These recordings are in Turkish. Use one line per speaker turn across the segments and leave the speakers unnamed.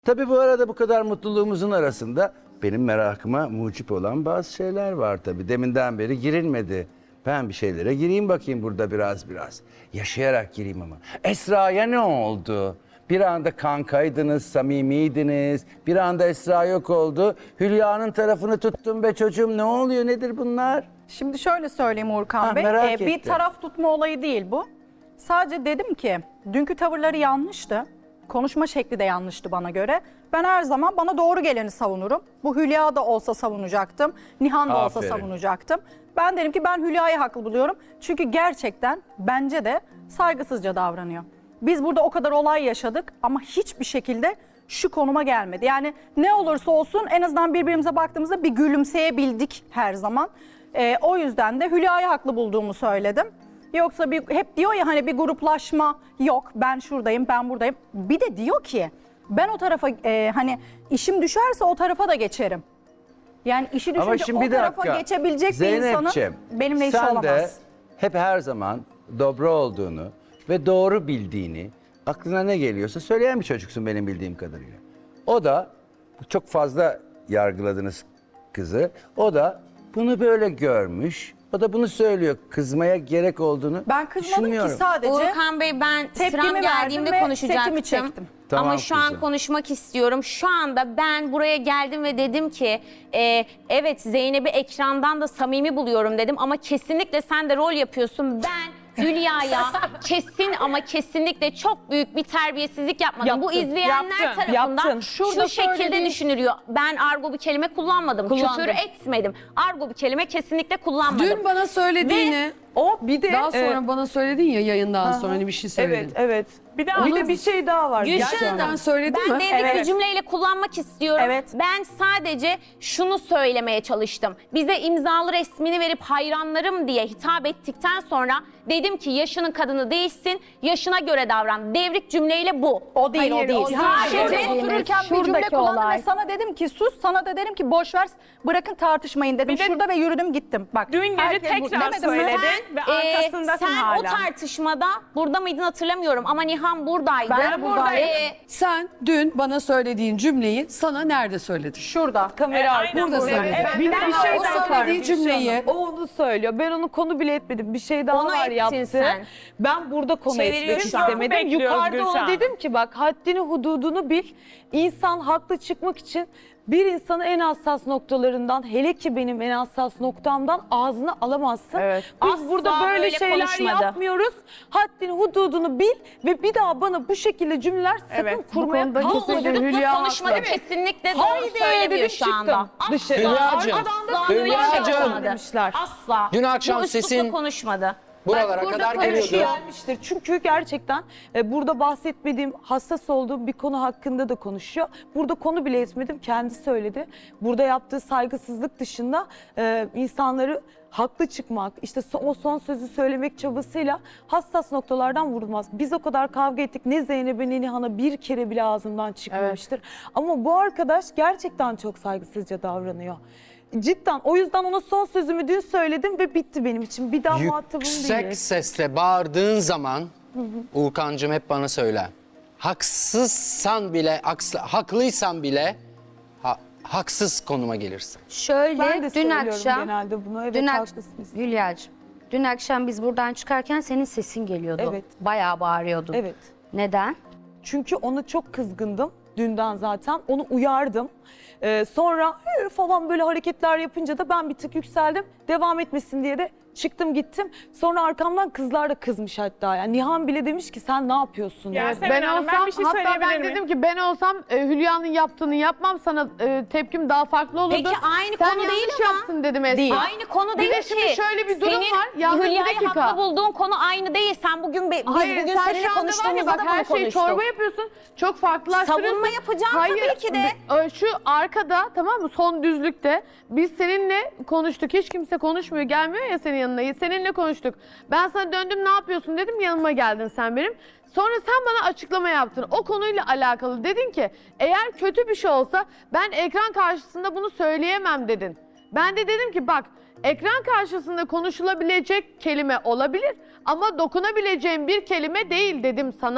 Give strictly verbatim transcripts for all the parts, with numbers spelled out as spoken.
Tabii bu arada bu kadar mutluluğumuzun arasında benim merakıma mucip olan bazı şeyler var tabii. Deminden beri girilmedi. Ben bir şeylere gireyim bakayım burada biraz biraz. Yaşayarak gireyim ama. Esra'ya ne oldu? Bir anda kankaydınız, samimiydiniz. Bir anda Esra yok oldu. Hülya'nın tarafını tuttum be çocuğum. Ne oluyor, nedir bunlar?
Şimdi şöyle söyleyeyim Uğurkan
Ha,
Bey.
merak
Ee, bir
ettim.
taraf tutma olayı değil bu. Sadece dedim ki dünkü tavırları yanlıştı. Konuşma şekli de yanlıştı bana göre. Ben her zaman bana doğru geleni savunurum. Bu Hülya da olsa savunacaktım. Nihan da olsa
Aferin.
savunacaktım. Ben derim ki ben Hülya'yı haklı buluyorum. Çünkü gerçekten bence de saygısızca davranıyor. Biz burada o kadar olay yaşadık ama hiçbir şekilde şu konuma gelmedi. Yani ne olursa olsun en azından birbirimize baktığımızda bir gülümseyebildik her zaman. Ee, o yüzden de Hülya'yı haklı bulduğumu söyledim. Yoksa bir, hep diyor ya hani bir gruplaşma yok, ben şuradayım, ben buradayım. Bir de diyor ki ben o tarafa e, hani işim düşerse o tarafa da geçerim. Yani işi
Ama
düşünce
şimdi
o
bir
tarafa
dakika.
geçebilecek bir
Zeynepciğim,
insanın benimle işi
sen
olamaz.
de hep her zaman dobra olduğunu ve doğru bildiğini, aklına ne geliyorsa söyleyen bir çocuksun benim bildiğim kadarıyla. O da, çok fazla yargıladınız kızı, o da bunu böyle görmüş, o da bunu söylüyor. Kızmaya gerek olduğunu
Ben kızmadım ki
düşünmüyorum.
sadece
Uğurkan Bey, ben
tepkimi
sıram
verdim
geldiğimde
ve
konuşacaktım.
setimi çektim.
Tamam
Ama şu an
kızım.
konuşmak istiyorum. Şu anda ben buraya geldim ve dedim ki e, evet Zeynep'i ekrandan da samimi buluyorum dedim ama kesinlikle sen de rol yapıyorsun. Ben Hülya'ya kesin ama kesinlikle çok büyük bir terbiyesizlik yapmadım.
Yaptın,
Bu izleyenler
yaptın,
tarafından
yaptın.
şu
Şurada
şekilde
söylediğin-
düşünülüyor. Ben argo bir kelime kullanmadım.
Kullandın.
Küfür etmedim. Argo bir kelime kesinlikle kullanmadım.
Dün bana söylediğini,
Ve
O bir de
daha sonra
e,
bana söyledin ya yayından sonra hani bir şey söyledin.
evet evet. Bir de, bir
Onu-
de bir şey daha var.
Gülşen
Gerçekten.
Hanım,
söyledin
ben
mi?
devrik
Evet.
bir cümleyle kullanmak istiyorum.
Evet.
Ben sadece şunu söylemeye çalıştım. Bize imzalı resmini verip hayranlarım diye hitap ettikten sonra dedim ki yaşının kadını değilsin, yaşına göre davran. Devrik cümleyle bu.
O değil,
Hayır,
o değil.
o
Sadece
değil.
otururken bir cümle
Şuradaki
kullandım
olay.
ve sana dedim ki sus, sana da dedim ki boş ver, bırakın tartışmayın dedim.
Bir de-
Şurada ve yürüdüm gittim. Bak.
Dün gece
herkes bu-
tekrar
demedim mi?
söyledin ve
Ee,
arkasındasın
sen
hala.
o tartışmada burada mıydın hatırlamıyorum ama Nihan buradaydı.
Ben de buradaydım.
Ee,
Sen dün bana söylediğin cümleyi sana nerede söyledin?
Şurada.
Kamera Aynen
Burada
burada.
söyledin.
Evet,
Bir
ben
de
sana
şey
o
daha
söylediği
var,
cümleyi. O onu söylüyor. Ben onu konu bile etmedim. Bir şey daha
Onu
var
ettin
yaptı.
sen.
Ben burada konu
Çeviriyor
etmek
şu an.
istemedim.
Bekliyoruz
Yukarıda
Gülşah.
ona dedim ki bak haddini hududunu bil. İnsan haklı çıkmak için bir insanı en hassas noktalarından, hele ki benim en hassas noktamdan ağzını alamazsın.
Evet.
Biz
Asla
burada böyle,
böyle
şeyler
konuşmadı.
yapmıyoruz. Haddini hududunu bil ve bir daha bana bu şekilde cümleler sakın
Evet, bu
kurmaya
konuda
bu
kalkma.
kesinlikle
uslupla
Hülya
konuşmadı,
haklı.
kesinlikle doğru
Haydi
söylemiyor
dedim
şu anda.
çıktım. Dışarı.
Hülya'cığım,
Asla öyle bir şey
Hülya'cığım.
yapmadı.
demişler.
Asla.
Dün akşam
bu üslupla
sesin-
konuşmadı.
Buralara
Burada
kadar
konuşu
geliyordu.
gelmiştir. Çünkü gerçekten e, burada bahsetmediğim, hassas olduğum bir konu hakkında da konuşuyor. Burada konu bile etmedim, kendi söyledi. Burada yaptığı saygısızlık dışında e, insanları haklı çıkmak, işte so- o son sözü söylemek çabasıyla hassas noktalardan vurulmaz. Biz o kadar kavga ettik. Ne Zeynep'e ne Nihan'a bir kere bile ağzımdan çıkmamıştır. Ama bu arkadaş gerçekten çok saygısızca davranıyor. Cidden o yüzden ona son sözümü dün söyledim ve bitti benim için. Bir daha muhatabım
Yüksek
değil.
sesle bağırdığın zaman Uğurkancığım hep bana söyle. Haksızsan bile, haks- haklıysan bile ha- haksız konuma gelirsin.
Şöyle
Ben de
dün
söylüyorum
akşam
genelde bunu. Evet,
dün ak-
haklısınız.
Hülya'cığım, dün akşam biz buradan çıkarken senin sesin geliyordu.
Evet.
Bayağı bağırıyordun.
Evet.
Neden?
Çünkü ona çok kızgındım dünden zaten. Onu uyardım. Ee, sonra "Hı" falan böyle hareketler yapınca da ben bir tık yükseldim. Devam etmesin diye de çıktım gittim. Sonra arkamdan kızlar da kızmış hatta. Yani Nihan bile demiş ki sen ne yapıyorsun?
Ya
Yani
Seven
Ben
Hanım,
olsam,
ben bir şey
hatta ben
söyleyebilir miyim?
dedim ki ben olsam e, Hülya'nın yaptığını yapmam, sana e, tepkim daha farklı olurdu.
Peki aynı
Sen
konu değil
yanlış
ama.
yaptın dedim Esra.
Değil. Aynı konu
Bir
değil
de
ki.
şimdi şöyle bir durum
Senin
var. Yalnız bir
Hülya'yı
dakika.
haklı bulduğun konu aynı değil. Sen bugün be- biz
Hayır,
bugün
sen
seninle
şu anda var ya
konuştuğumuzda
bak
da
her
bunu
şeyi
konuştuk.
çorba yapıyorsun. Çok farklılaştırıyorsun.
Savunma yapacağım
Hayır,
tabii ki de.
b- Şu arkada, tamam mı, son düzlükte biz seninle konuştuk. Hiç kimse konuşmuyor. Gelmiyor ya senin yanına. Seninle konuştuk. Ben sana döndüm, ne yapıyorsun dedim. Yanıma geldin sen benim. Sonra sen bana açıklama yaptın. O konuyla alakalı dedin ki eğer kötü bir şey olsa ben ekran karşısında bunu söyleyemem dedin. Ben de dedim ki bak, ekran karşısında konuşulabilecek kelime olabilir ama dokunabileceğim bir kelime değil dedim sana.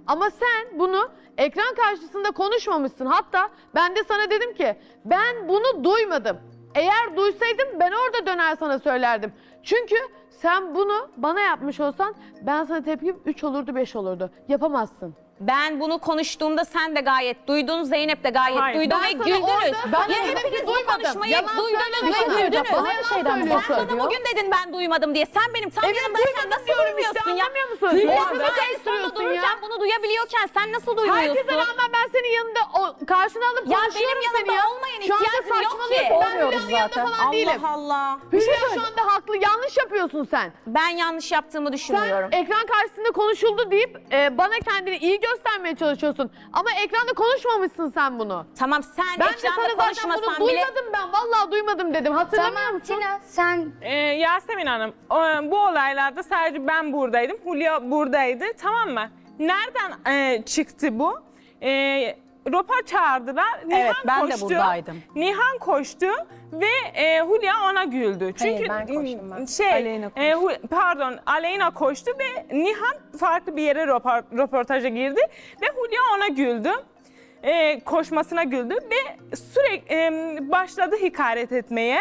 Ama sen bunu ekran karşısında konuşmamışsın. Hatta ben de sana dedim ki ben bunu duymadım. Eğer duysaydım ben orada döner sana söylerdim. Çünkü sen bunu bana yapmış olsan ben sana tepkim üç olurdu beş olurdu. Yapamazsın.
Ben bunu konuştuğumda sen de gayet duydun, Zeynep de gayet
Hayır,
duydu
ben
ve
sana
güldünüz.
orada- ben
Ya
de dedim ki
hepiniz bu
duymadım.
konuşmayı
Yalan
duydunuz
söyleme.
ve
Bir şey söyleyeceğim.
güldünüz.
Bana yalan
Sen
söylüyorsun.
bana bugün dedin ben duymadım diye. Sen benim tam
Evet,
yanımdayken nasıl
diyorum
duymuyorsun
işte,
ya?
anlamıyor musun?
Hülya
Duymadım.
kızı en sonunda
Karıştırıyorsun
dururken
ya.
bunu duyabiliyorken sen nasıl duymuyorsun?
Herkese rağmen ben senin yanında o, karşına alıp
Ya
konuşuyorum
benim
seni
yanımda
ya.
olmayın,
Şu anda
ihtiyacım yok ki.
saçmalıyorsun. Ben
Olmuyoruz
Hülya'nın yanında
zaten.
falan değilim.
Allah.
Hülya şu anda haklı. Yanlış yapıyorsun sen.
Ben yanlış yaptığımı
Sen
düşünmüyorum.
ekran karşısında konuşuldu deyip e, bana kendini iyi göstermeye çalışıyorsun. Ama ekranda konuşmamışsın sen bunu.
Tamam sen
Ben de
ekranda
sana zaten
konuşmasan
bunu
bile...
duymadım ben. Vallahi duymadım dedim. Hatırlamıyor
Tamam
musun?
Tina sen
Ee, Yasemin Hanım, o- bu olaylarda sadece ben buradaydım, Hülya buradaydı, tamam mı? Nereden e, çıktı bu? E, Ropa çağırdılar, Nihan
Evet, ben de
koştu.
buradaydım.
Nihan koştu ve e, Hülya ona güldü. Çünkü
ben koştum ben.
şey,
Aleyna
e, Hu- pardon, Aleyna koştu ve Nihan farklı bir yere röpor- röportaja girdi ve Hülya ona güldü. E, koşmasına güldü ve sürekli e, başladı hakaret etmeye.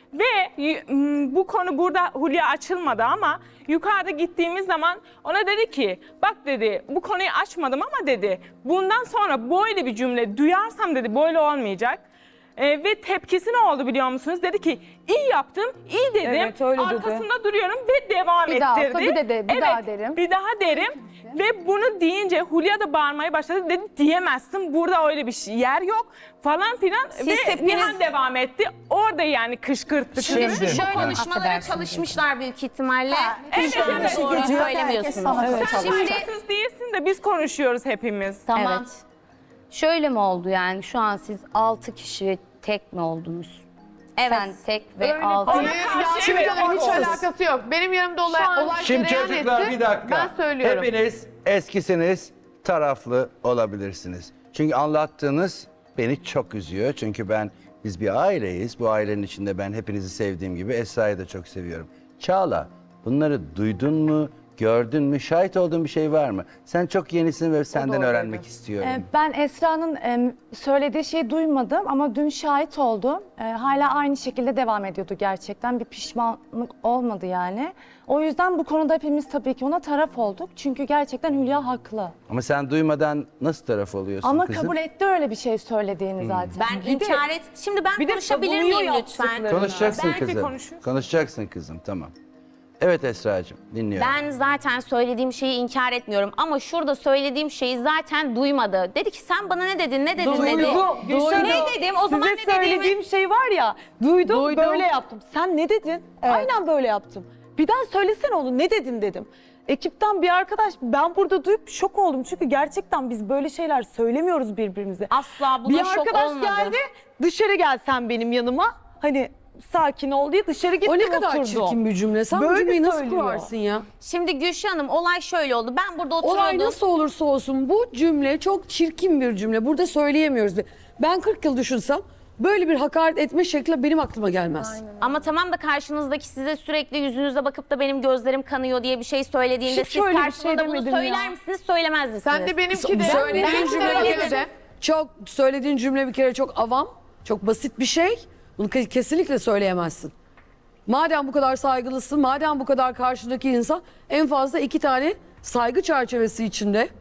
Ve y- m, bu konu burada Hülya açılmadı ama yukarıda gittiğimiz zaman ona dedi ki bak dedi bu konuyu açmadım ama dedi bundan sonra böyle bir cümle duyarsam dedi böyle olmayacak. E, ve tepkisi ne oldu biliyor musunuz? Dedi ki iyi yaptım, iyi dedim.
Evet, öyle dedi.
Arkasında duruyorum ve devam
Bir daha
ettirdi.
olsa bir de de- bir
evet,
daha derim.
bir daha derim. Ve bunu deyince Hülya da bağırmaya başladı. Dedi diyemezsin, burada öyle bir şey, yer yok falan filan.
Siz
ve
hepiniz-
Nihan devam etti. Orada yani kışkırttı.
Şimdi
kızı.
şöyle konuşmalara çalışmışlar büyük ihtimalle.
Evet,
Hiç
evet.
doğru
Herkes
söylemiyorsunuz.
sana
Sen
çalışıyor.
haksız değilsin de biz konuşuyoruz hepimiz.
tamam.
Evet.
Şöyle mi oldu yani şu an siz altı kişi tek mi oldunuz?
Evet.
Sen tek ve altı.
Hayır,
karşı
ya,
evet,
Hülya'nın hiç
haksız.
alakası yok. Benim yanımda olay, olay
Şimdi
cereyan
çocuklar
etti.
bir dakika.
Ben söylüyorum.
Hepiniz eskisiniz, taraflı olabilirsiniz. Çünkü anlattığınız beni çok üzüyor. Çünkü ben biz bir aileyiz. Bu ailenin içinde ben hepinizi sevdiğim gibi Esra'yı da çok seviyorum. Çağla, bunları duydun mu, gördün mü, şahit olduğun bir şey var mı? Sen çok yenisin ve senden öğrenmek istiyorum.
Ee, Ben Esra'nın em, söylediği şeyi duymadım ama dün şahit oldum. Ee, Hala aynı şekilde devam ediyordu gerçekten. Bir pişmanlık olmadı yani. O yüzden bu konuda hepimiz tabii ki ona taraf olduk. Çünkü gerçekten Hülya haklı.
Ama sen duymadan nasıl taraf oluyorsun
Ama
kızım?
kabul etti öyle bir şey söylediğini zaten.
Ben inkar et. Şimdi ben
bir de
konuşabilir
savunuyor
miyim lütfen?
yaptıklarını.
Konuşacaksın
Belki
kızım.
konuşursun.
Konuşacaksın kızım, tamam. Evet Esra'cığım, dinliyorum.
Ben zaten söylediğim şeyi inkar etmiyorum ama şurada söylediğim şeyi zaten duymadı. Dedi ki sen bana ne dedin, ne dedin dedi.
Duydu.
Ne dedim? O zaman
Size
ne dediğimi...
söylediğim şey var ya, duydum,
Duydum.
böyle yaptım. Sen ne dedin? Aynen böyle yaptım. Bir daha söylesene onu, ne dedin dedim. Ekipten bir arkadaş, ben burada duyup şok oldum. Çünkü gerçekten biz böyle şeyler söylemiyoruz birbirimize.
Asla buna
Bir
şok
arkadaş
olmadı.
geldi, dışarı gel sen benim yanıma. Hani sakin ol diye dışarı gittim
O ne kadar
oturdum.
çirkin bir cümle. Sen bu
Böyle
cümleyi nasıl
söylüyor.
kurarsın ya?
Şimdi Gülşah Hanım olay şöyle oldu. Ben burada oturuyordum.
Olay nasıl olursa olsun bu cümle çok çirkin bir cümle. Burada söyleyemiyoruz. Ben kırk yıl düşünsem böyle bir hakaret etme şekli benim aklıma gelmez.
Ama tamam da karşınızdaki size sürekli yüzünüze bakıp da benim gözlerim kanıyor diye bir şey söylediğinde
Hiç
siz
öyle bir
karşılığında
şey
bunu
demedim
söyler
ya.
misiniz, söylemez misiniz?
Sen de benimki de.
Söylediğin
Ben
cümle bir
söyledim.
kere çok söylediğin cümle bir kere çok avam, çok basit bir şey. Bunu ke- kesinlikle söyleyemezsin. Madem bu kadar saygılısın, madem bu kadar karşıdaki insan en fazla iki tane saygı çerçevesi içinde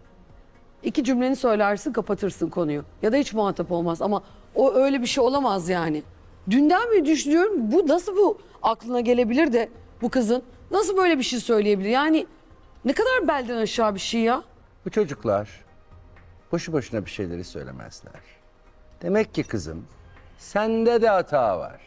iki cümleni söylersin, kapatırsın konuyu. Ya da hiç muhatap olmaz ama o öyle bir şey olamaz yani. Dünden beri düşünüyorum bu nasıl bu aklına gelebilir de bu kızın nasıl böyle bir şey söyleyebilir? Yani ne kadar belden aşağı bir şey ya.
Bu çocuklar boşu boşuna bir şeyleri söylemezler. Demek ki kızım sende de hata var.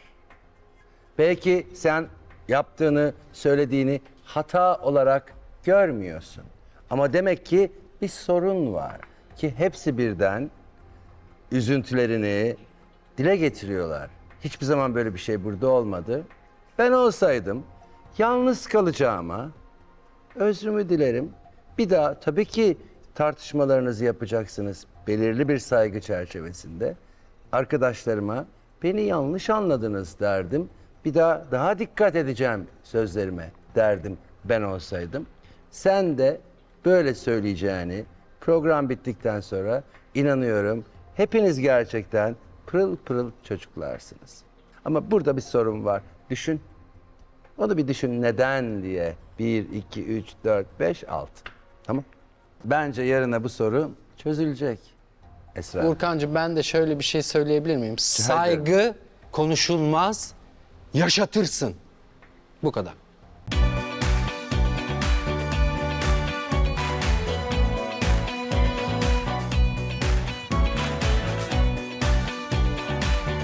Belki sen yaptığını, söylediğini hata olarak görmüyorsun. Ama demek ki bir sorun var ki hepsi birden üzüntülerini dile getiriyorlar. Hiçbir zaman böyle bir şey burada olmadı. Ben olsaydım yalnız kalacağıma özrümü dilerim. Bir daha tabii ki tartışmalarınızı yapacaksınız belirli bir saygı çerçevesinde. Arkadaşlarıma beni yanlış anladınız derdim. Bir daha daha dikkat edeceğim sözlerime derdim ben olsaydım. Sen de böyle söyleyeceğini Program bittikten sonra inanıyorum hepiniz gerçekten pırıl pırıl çocuklarsınız. Ama burada bir sorun var. Düşün. Onu bir düşün neden diye. bir, iki, üç, dört, beş, altı. Tamam. Bence yarına bu soru çözülecek. Esra.
Urkancığım ben de şöyle bir şey söyleyebilir miyim? Saygı konuşulmaz, yaşatırsın. Bu kadar.